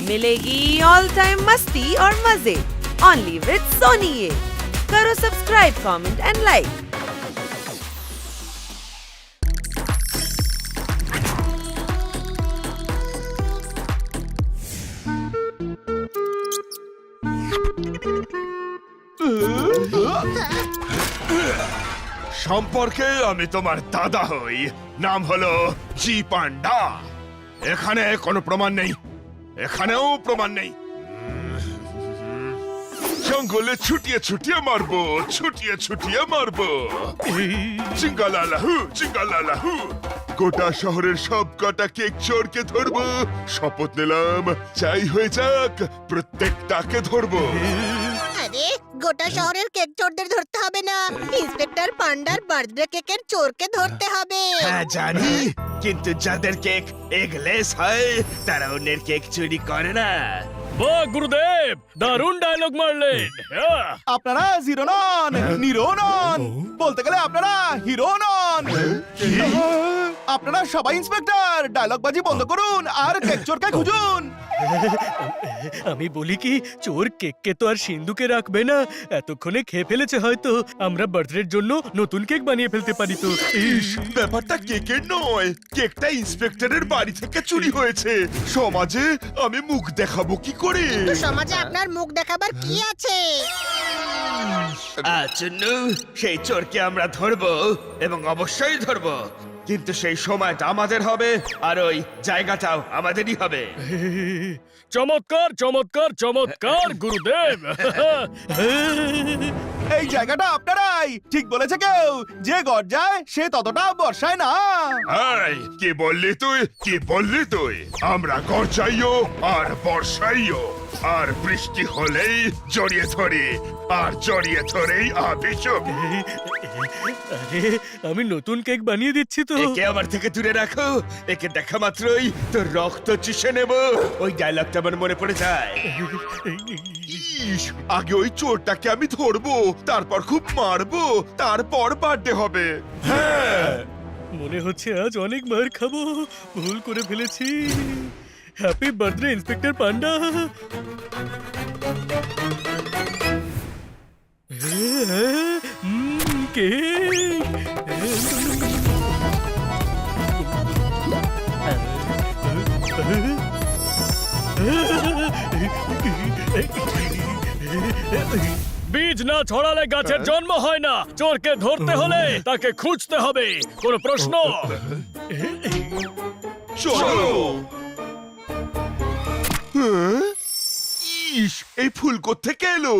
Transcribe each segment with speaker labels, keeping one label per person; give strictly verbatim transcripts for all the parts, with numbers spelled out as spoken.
Speaker 1: मिलेगी all time मस्ती और मजे ओनली विद सोनी ये। करो सब्सक्राइब, कमेंट एंड लाइक।
Speaker 2: সম্পর্কে আমি তোমার দাদা হই, নাম হলো জি পান্ডা। এখানে কোনো প্রমাণ নেই, এখানেও প্রমাণ নেই। জঙ্গলে ছুটিয়ে ছুটিয়ে মারবো, ছুটিয়ে ছুটিয়ে মারবো। চিঙ্গালালাহু চিঙ্গালালাহু। গোটা শহরের সব কটা কেক চোরকে ধরবো। শপথ নিলাম, চাই হয়ে যাক, প্রত্যেকটাকে ধরবো।
Speaker 3: আরে গোটা শহরের কেক চোরদের ধরতে হবে না, ইন্সপেক্টর পান্ডার বার্থডে কেকের চোরকে ধরতে হবে।
Speaker 2: হ্যাঁ জানি, কিন্তু যাদের কেক এগলেস হয় তারা অন্যের কেক চুরি করে না।
Speaker 4: বাহ গুরুদেব, দারুণ ডায়লগ মারলেন।
Speaker 5: আপনারা জিরো নন, নিরো নন, বলতে গেলে আপনারা হিরো নন। আপনারা সবাই ইন্সপেক্টর, ডায়লগ বাজি বন্ধ করুন আর কেক চোরকে খুঁজুন।
Speaker 4: আমি বলি কি, চোর কেককে তো আর সিন্ধুকে রাখবে না, এতক্ষণে খেয়ে ফেলেছে হয়তো। আমরা বার্থডের জন্য নতুন কেক বানিয়ে ফেলতে পারি তো।
Speaker 2: ইস, ব্যাপারটা কেকের নয়, কেকটা ইন্সপেক্টরের বাড়ি থেকে চুরি হয়েছে। সমাজে আমি মুখ দেখাবো কি করে?
Speaker 3: তো সমাজে আপনার মুখ দেখাবার কি আছে?
Speaker 2: আচুন্নু, সেই চোরকে আমরা ধরবো এবং অবশ্যই ধরবো, কিন্তু সেই সময়টা আমাদের হবে আর ওই জায়গাটাও আমাদেরই হবে।
Speaker 4: চমৎকার চমৎকার চমৎকার গুরুদেব।
Speaker 5: এই জায়গাটা আপনারাই, ঠিক বলেছে কেউ, যে গর্জায় সে ততটা বর্ষায় না।
Speaker 2: এই, কি বললি তুই? কি বললি তুই? আমরা গরজাইও আর বর্ষাইও, আর বৃষ্টি হলেই জড়িয়ে ধরি, আর জড়িয়ে ধরেই আবিষক।
Speaker 4: আরে আমি নতুন কেক বানিয়ে দিচ্ছি তো।
Speaker 2: একে আমার থেকে দূরে রাখো, একে দেখা মাত্রই তোর রক্ত চুষে নেব। ওই ডায়লগটা আমার মনে পড়ে যায়। ইস, আগে ওই চোরটাকে আমি ধরবো, তারপর খুব মারবো, তারপর বার্থডে হবে। হ্যাঁ,
Speaker 4: মনে হচ্ছে আজ অনেক মার খাবো, ভুল করে ফেলেছি। Happy birthday inspector Panda. Um, cake. বীজ না ছড়ালে গাছের জন্ম হয় না। চোরকে ধরতে হলে তাকে খুঁজতে হবে। কোন প্রশ্ন?
Speaker 2: চলো। হ্যাঁ? ইস, এই ফুল কোত্থেকে এলো?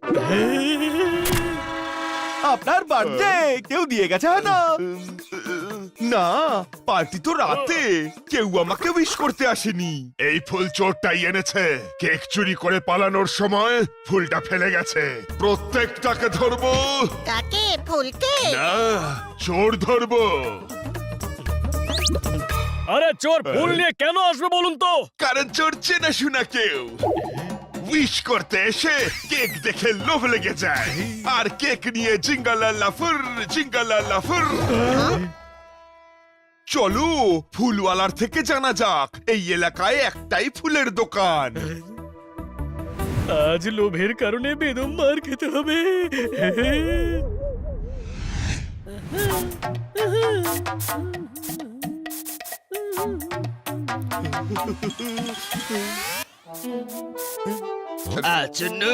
Speaker 5: আপনার বার্থডে কেউ দিয়ে গেছে হয়তো।
Speaker 2: না, পার্টি তো রাতে, কেউ আমাকে উইশ করতে আসেনি। এই ফুল চোরটাই এনেছে। কেক চুরি করে পালানোর সময় ফুলটা ফেলে গেছে। প্রত্যেকটাকে ধরবো।
Speaker 3: কাকে? ফুলকে?
Speaker 2: না, চোর ধরবো।
Speaker 4: আরে চোর ফুল নিয়ে কেন আসবে বলুন তো?
Speaker 2: কারণ চোর চেনা শোনা কেউ। উইশ করতে এসে কেক দেখে লোভ লেগে যায়, আর কেক নিয়ে জিঙ্গালাল্লাফুর জিঙ্গালাল্লাফুর। চলো ফুলওয়ালার থেকে জানা যাক, এই এলাকায় একটাই ফুলের দোকান।
Speaker 4: আজ লোভের কারণে বেদম মার খেতে হবে।
Speaker 2: আচুন্নু,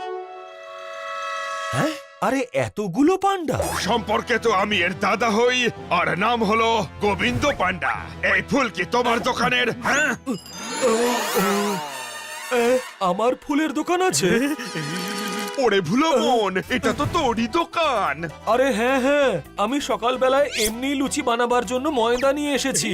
Speaker 6: হ্যাঁ, আরে এতগুলো পান্ডা!
Speaker 2: সম্পর্কে তো আমি এর দাদা হই, আর নাম হলো গোবিন্দ পান্ডা। এই ফুল কি তোমার দোকানের? হ্যাঁ,
Speaker 6: এ, আমার ফুলের দোকান আছে?
Speaker 2: ওরে ভুলো মন, এটা তো তোরই দোকান।
Speaker 6: আরে হ্যাঁ হ্যাঁ, আমি সকালবেলায় এমনি লুচি বানাবার জন্য ময়দা নিয়ে এসেছি।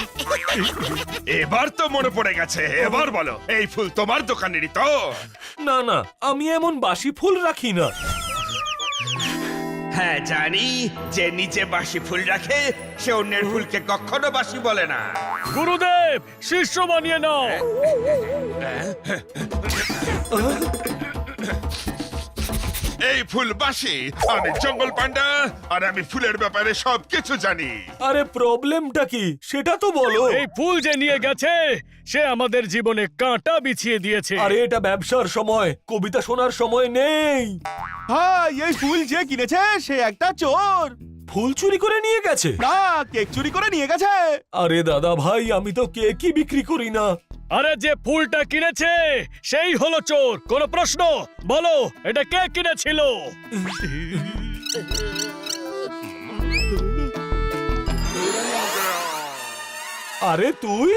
Speaker 2: এবার তো মনে পড়ে গেছে। এবার বলো, এই ফুল তোমার দোকানেরই তো?
Speaker 6: না না, আমি এমন বাসি ফুল রাখি না।
Speaker 2: হ্যাঁ জানি, যে নিচে বাসি ফুল রাখে সে অন্যের ফুলকে কখনো বাসি বলে না।
Speaker 4: গুরুদেব, শিষ্য বানিয়ে নাও।
Speaker 2: এই ফুল বাসি, আমি জঙ্গল পান্ডা, আর আমি ফুলের ব্যাপারে সবকিছু জানি।
Speaker 6: আরে প্রবলেমটা কি সেটা তো বলো।
Speaker 4: এই ফুল যে নিয়ে গেছে সে আমাদের জীবনে কাঁটা বিছিয়ে দিয়েছে।
Speaker 6: আরে এটা ব্যবসার সময়, কবিতা শোনার সময় নেই।
Speaker 5: ভাই এই ফুল যে কিনেছে সে একটা চোর।
Speaker 6: ফুল চুরি করে নিয়ে গেছে?
Speaker 5: না, কেক চুরি করে নিয়ে গেছে।
Speaker 6: আরে দাদা ভাই, আমি তো কেকই বিক্রি করি না।
Speaker 4: আরে যে ফুলটা কিনেছে সেই হলো চোর। কোনো প্রশ্ন? বলো এটা কে কিনেছিল?
Speaker 6: আরে তুই?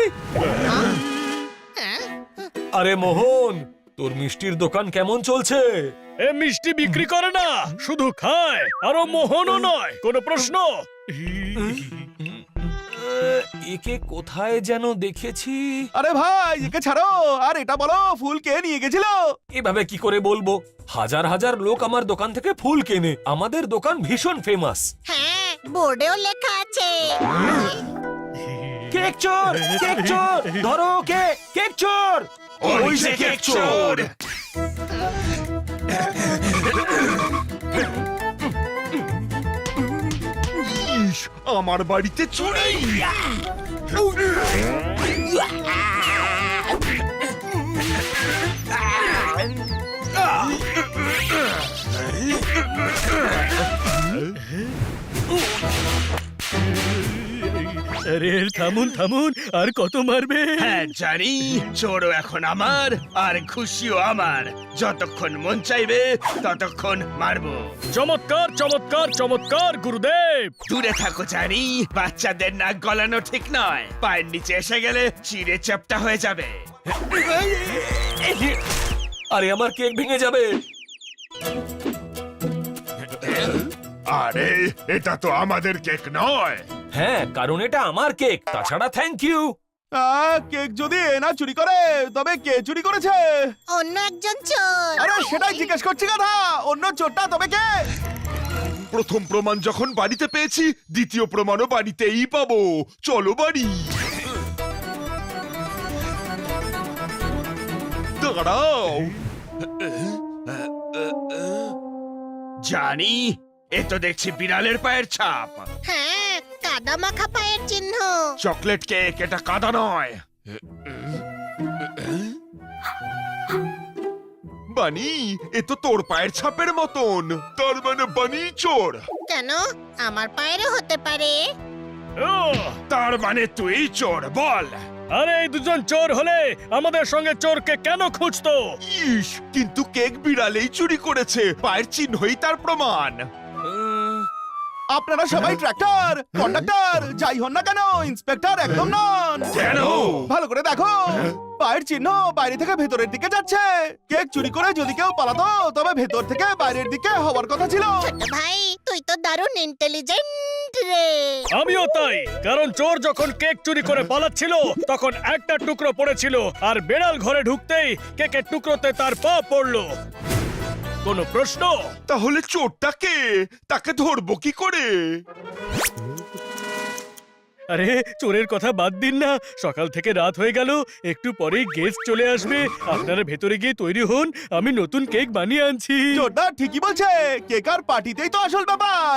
Speaker 6: আরে মোহন, তোর মিষ্টির দোকান কেমন চলছে?
Speaker 4: এ মিষ্টি বিক্রি করে না, শুধু খায়। আরো মোহনও নয়। কোনো প্রশ্ন?
Speaker 6: একে কোথায় যেন দেখেছি।
Speaker 5: আরে ভাই একে ছাড়ো, আর এটা বলো ফুল কে নিয়ে গেছিল?
Speaker 6: এভাবে কি করে বলবো? হাজার হাজার লোক আমার দোকান থেকে ফুল কেনে। আমাদের দোকান ভীষণ ফেমাস।
Speaker 3: হ্যাঁ, বোর্ডেও লেখা আছে।
Speaker 6: কেক চোর, কেক চোর, ধরো কে কেক চোর।
Speaker 2: ওই যে কেক চোর। ইস, আমার বাড়িতে চুরি।
Speaker 4: আরে থামুন থামুন, আর কত মারবে?
Speaker 7: হ্যাঁ জানি, চোরও এখন আমার আর খুশিও আমার। যতক্ষণ মন চাইবে ততক্ষণ মারবো।
Speaker 4: চমৎকার চমৎকার চমৎকার গুরুদেব।
Speaker 7: দূরে থাকো জানি, বাচ্চাদের নাক গলানো ঠিক নয়। পায়ের নিচে এসে গেলে চিড়ে চ্যাপ্টা হয়ে যাবে।
Speaker 6: আরে আমার কেক ভেঙে যাবে।
Speaker 2: আরে এটা তো আমাদের কেক নয়।
Speaker 6: হ্যাঁ, কারণ এটা আমার কেক। তাছাড়া থ্যাংক ইউ।
Speaker 5: আহ, কেক যদি এনা চুরি করে তবে কে চুরি করেছে?
Speaker 3: অন্য একজন চোর।
Speaker 5: আরে সেটাই জিজ্ঞেস করছি কথা। অন্য চোরটা তবে কে?
Speaker 2: প্রথম প্রমাণ যখন বাড়িতে পেয়েছি, দ্বিতীয় প্রমাণও বাড়িতেই পাবো। চলো বাড়ি। দাঁড়াও।
Speaker 7: জানি, এ তো দেখছি বিড়ালের পায়ের ছাপ।
Speaker 3: হ্যাঁ, কাদা মাখা পায়ের চিহ্ন।
Speaker 2: চকলেট কেক, এটা কাদা নয়। বানি, এ তো তোর পায়ের ছাপের মতন। তার মানে বানি চোর।
Speaker 3: কেন? আমার পায়েরও হতে পারে।
Speaker 4: ও,
Speaker 2: তার মানে তুই চোর, বল।
Speaker 4: আরে এই দুজন চোর হলে আমাদের সঙ্গে চোরকে কেন খুঁজতো?
Speaker 2: ইস, কিন্তু কেক বিড়ালেই চুরি করেছে। পায়ের চিহ্নই তার প্রমাণ।
Speaker 5: আপনারা সবাই ট্রাক্টর, কন্ডাক্টর, যাই হন না কেন ইন্সপেক্টর একদম নন।
Speaker 2: কেন?
Speaker 5: ভালো করে দেখো, পায়ের চিহ্ন বাইরে থেকে ভেতরের দিকে যাচ্ছে। কেক চুরি করে যদি কেউ পালাতো তবে ভেতর থেকে বাইরের দিকে হওয়ার কথা ছিল।
Speaker 3: ছোট ভাই, তুই তো দারুণ ইন্টেলিজেন্ট রে।
Speaker 4: আমিও তাই, কারণ চোর যখন কেক চুরি করে পালাচ্ছিল তখন একটা টুকরো পড়েছিল, আর বেড়াল ঘরে ঢুকতেই কেকের টুকরোতে তার পা পড়লো। কোনো প্রশ্ন?
Speaker 2: তাহলে চোরটা কে? তাকে ধরবো কি করে?
Speaker 4: আরে চোরের কথা বাদ দিন না, সকাল থেকে রাত হয়ে গেল, একটু পরেই গেস্ট চলে আসবে। আপনারা ভেতরে গিয়ে তৈরি হন, আমি নতুন কেক বানিয়ে আনছি।
Speaker 5: চোরটা ঠিকই বলছে, কেক আর পার্টিতেই তো আসল ব্যাপার।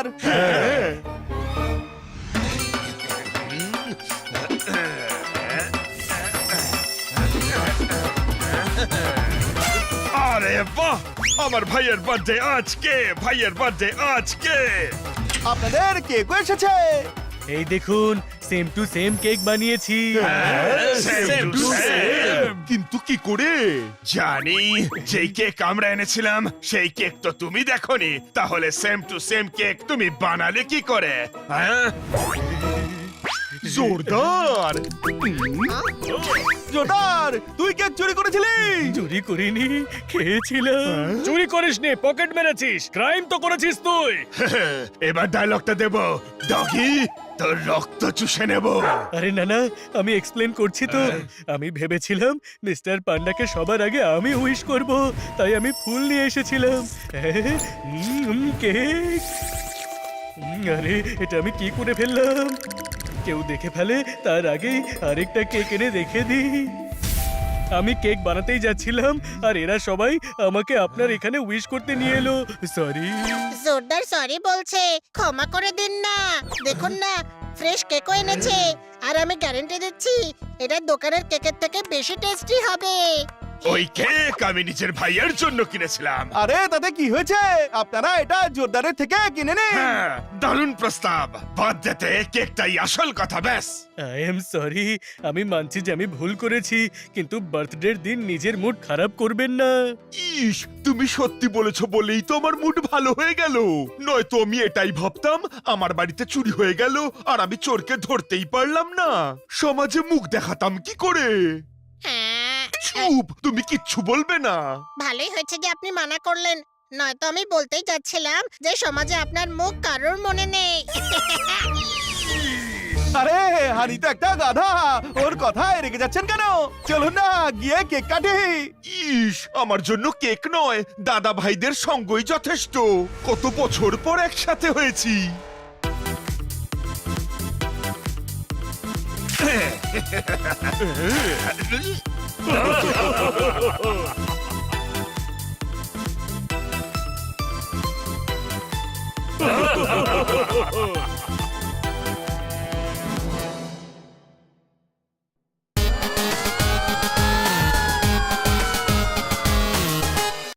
Speaker 2: আরে বাহ, আমার ভাইয়ের বার্থডে আজকে। ভাইয়ের বার্থডে আজকে।
Speaker 5: আপনাদের কেকও এসেছে।
Speaker 4: এই দেখুন, সেম টু সেম কেক বানিয়েছি।
Speaker 2: Same to same। কিন্তু কি করে?
Speaker 7: জানি, যেই কেক আমরা এনেছিলাম সেই কেক তো তুমি দেখোনি। তাহলে সেম টু সেম কেক তুমি বানালে কি করে? হ্যাঁ,
Speaker 2: জোরদার।
Speaker 5: জোরদার, তুই কেক চুরি করেছিলি?
Speaker 4: চুরি করিনি, খেয়েছিলাম। চুরি করিসনি, পকেট মেরেছিস। ক্রাইম তো করেছিস তুই।
Speaker 7: এবার ডায়লগটা দেব। ডগি, তোর রক্ত চুষে নেব।
Speaker 4: আরে না না, আমি এক্সপ্লেন করছি তো। আমি ভেবেছিলাম মিস্টার পান্ডাকে সবার আগে আমি উইশ করব, তাই আমি ফুল নিয়ে এসেছিলাম। উম, কেক। উম, আরে এটা আমি কি করে ফেললাম? কেউ দেখে ফেলে তার আগেই আরেকটা কেক এনে রেখে দিই। আমি কেক বানাতেই যাচ্ছিলাম আর এরা সবাই আমাকে আপনার এখানে উইশ করতে নিয়ে এলো সরি
Speaker 3: জোরদার সরি বলছে, ক্ষমা করে দিন না। দেখুন না, ফ্রেশ কেকও এনেছে, আর আমি গ্যারান্টি দিচ্ছি এটা দোকানের কেকের থেকে বেশি টেস্টি হবে।
Speaker 2: ওই কেক আমি নিজের ভাইয়ের জন্য কিনেছিলাম।
Speaker 5: আরে তাতে কি হয়েছে, আপনারা এটা জোরদারের থেকে কিনে নিন।
Speaker 2: হ্যাঁ, দারুণ প্রস্তাব। বাদ দিতে কেকটাই আসল কথা। ব্যাস।
Speaker 4: আই এম সরি, আমি মানছি যে আমি ভুল করেছি, কিন্তু বার্থডের দিন নিজের মুড খারাপ করবেন না।
Speaker 2: ইস, তুমি সত্যি বলেছো বলেই তো আমার মুড ভালো হয়ে গেল। নয়তো আমি এটাই ভাবতাম আমার বাড়িতে চুরি হয়ে গেল আর আমি চোরকে ধরতেই পারলাম না। সমাজে মুখ দেখাতাম কি করে?
Speaker 3: হ্যাঁ,
Speaker 2: চুপ, তুমি কিচ্ছু বলবে না।
Speaker 3: ভালোই হয়েছে যে আপনি মানা করলেন, নয়তো আমি বলতেই যাচ্ছিলাম যে সমাজে আপনার মুখ কারোর মনে নেই।
Speaker 5: আরে হানি তো একটা গাধা, ওর কথায় রেগে যাচ্ছেন কেন? চলুন না গিয়ে কেক কাটি।
Speaker 2: ইস, আমার জন্য কেক নয়, দাদা ভাইদের সঙ্গই যথেষ্ট। কত বছর পর একসাথে হয়েছি।